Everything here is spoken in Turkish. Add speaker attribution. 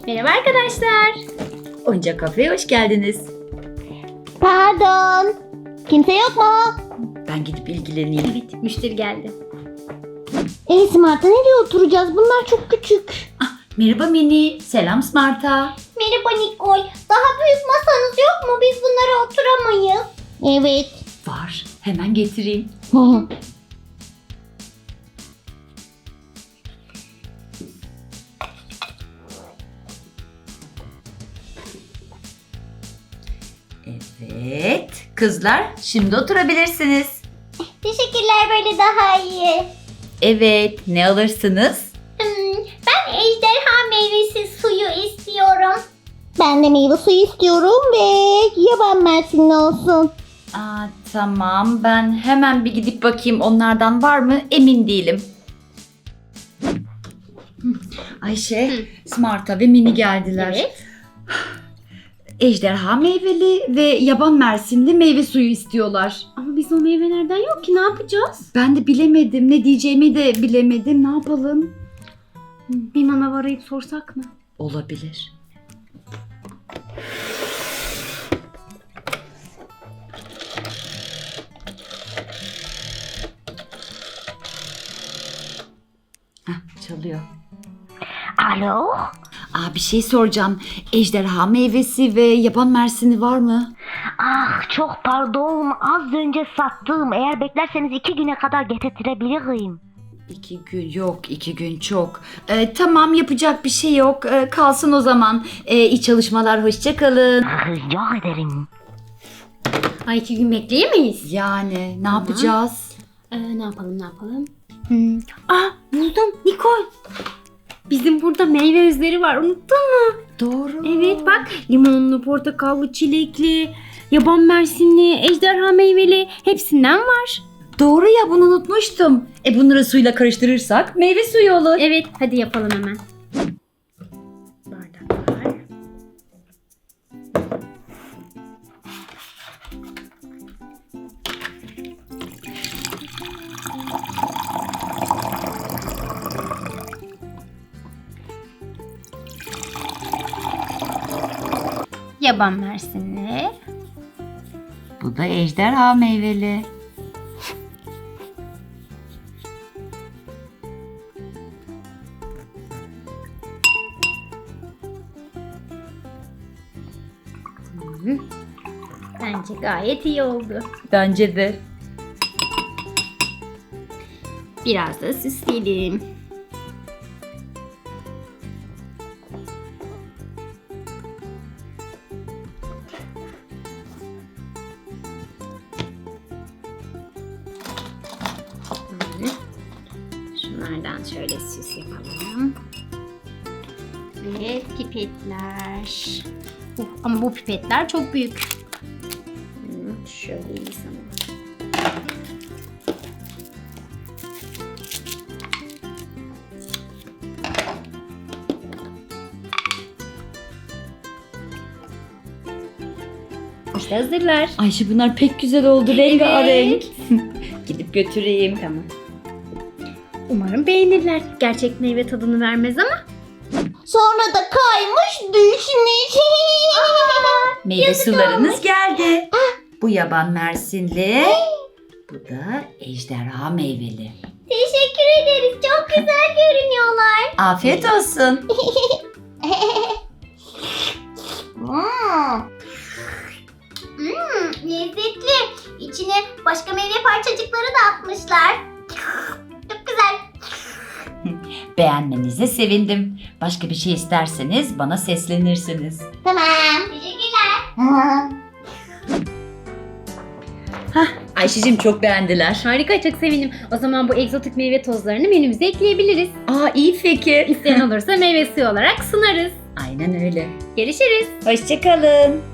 Speaker 1: Merhaba arkadaşlar.
Speaker 2: Oyuncak Kafe'ye hoş geldiniz.
Speaker 3: Pardon. Kimse yok mu?
Speaker 2: Ben gidip ilgileneyim.
Speaker 1: Evet, müşteri geldi.
Speaker 3: Smart'a nereye oturacağız? Bunlar çok küçük.
Speaker 2: Merhaba Mini. Selam Smart'a.
Speaker 3: Merhaba Nikol. Daha büyük masanız yok mu? Biz bunlara oturamayız. Evet.
Speaker 2: Var. Hemen getireyim. Evet. Kızlar şimdi oturabilirsiniz.
Speaker 3: Teşekkürler, böyle daha iyi.
Speaker 2: Evet. Ne alırsınız?
Speaker 3: Ben ejderha meyvesi suyu istiyorum. Ben de meyve suyu istiyorum ve yaban mersinli olsun.
Speaker 2: Tamam. Ben hemen bir gidip bakayım onlardan var mı? Emin değilim. Ayşe, Smart'a ve Mini geldiler.
Speaker 1: Evet.
Speaker 2: Ejderha meyveli ve yaban mersinli meyve suyu istiyorlar.
Speaker 1: Ama biz o meyvelerden yok ki, ne yapacağız?
Speaker 2: Ben de bilemedim. Ne diyeceğimi de bilemedim. Ne yapalım?
Speaker 1: Bir manav arayıp sorsak mı?
Speaker 2: Olabilir. Çalıyor.
Speaker 3: Alo?
Speaker 2: Bir şey soracağım. Ejderha meyvesi ve yaban mersini var mı?
Speaker 3: Çok pardon. Az önce sattım. Eğer beklerseniz 2 güne kadar getirtirebilirim.
Speaker 2: 2 gün yok. 2 gün çok. Tamam, yapacak bir şey yok. Kalsın o zaman. İyi çalışmalar. Hoşça kalın.
Speaker 3: Rica ederim.
Speaker 1: Ay, 2 gün bekleyemeyiz.
Speaker 2: Yani ne yapacağız?
Speaker 1: Ne yapalım? Buldum Nikol. Bizim burada meyve özleri var, unuttun mu?
Speaker 2: Doğru.
Speaker 1: Evet bak, limonlu, portakallı, çilekli, yaban mersinli, ejderha meyveli, hepsinden var.
Speaker 2: Doğru ya, bunu unutmuştum. Bunları suyla karıştırırsak meyve suyu olur.
Speaker 1: Evet, hadi yapalım hemen. Bardaklar. Yaban mersinli.
Speaker 2: Bu da ejderha meyveli.
Speaker 1: Bence gayet iyi oldu.
Speaker 2: Bence de.
Speaker 1: Biraz da süsleyelim. Şunlardan şöyle süs yapalım. Ve pipetler. Ama bu pipetler çok büyük. Şöyle iyi sana. İşte hazırlar.
Speaker 2: Ayşe, bunlar pek güzel oldu. Rengarenk. Gidip götüreyim.
Speaker 1: Tamam. Umarım beğenirler. Gerçek meyve tadını vermez ama.
Speaker 3: Sonra da kaymış düşmüş.
Speaker 2: Meyve sularınız geldi. Bu yaban mersinli. Bu da ejderha meyveli.
Speaker 3: Teşekkür ederiz. Çok güzel görünüyorlar.
Speaker 2: Afiyet olsun.
Speaker 3: Lezzetli. İçine başka meyve parçacıkları da atmışlar. Çok güzel.
Speaker 2: Beğenmenize sevindim. Başka bir şey isterseniz bana seslenirsiniz.
Speaker 3: Tamam. Teşekkürler.
Speaker 2: Ayşe'cim, çok beğendiler.
Speaker 1: Harika, çok sevindim. O zaman bu egzotik meyve tozlarını menümüze ekleyebiliriz.
Speaker 2: İyi fikir.
Speaker 1: İsteyen olursa meyve suyu olarak sunarız.
Speaker 2: Aynen öyle.
Speaker 1: Görüşürüz.
Speaker 2: Hoşça kalın.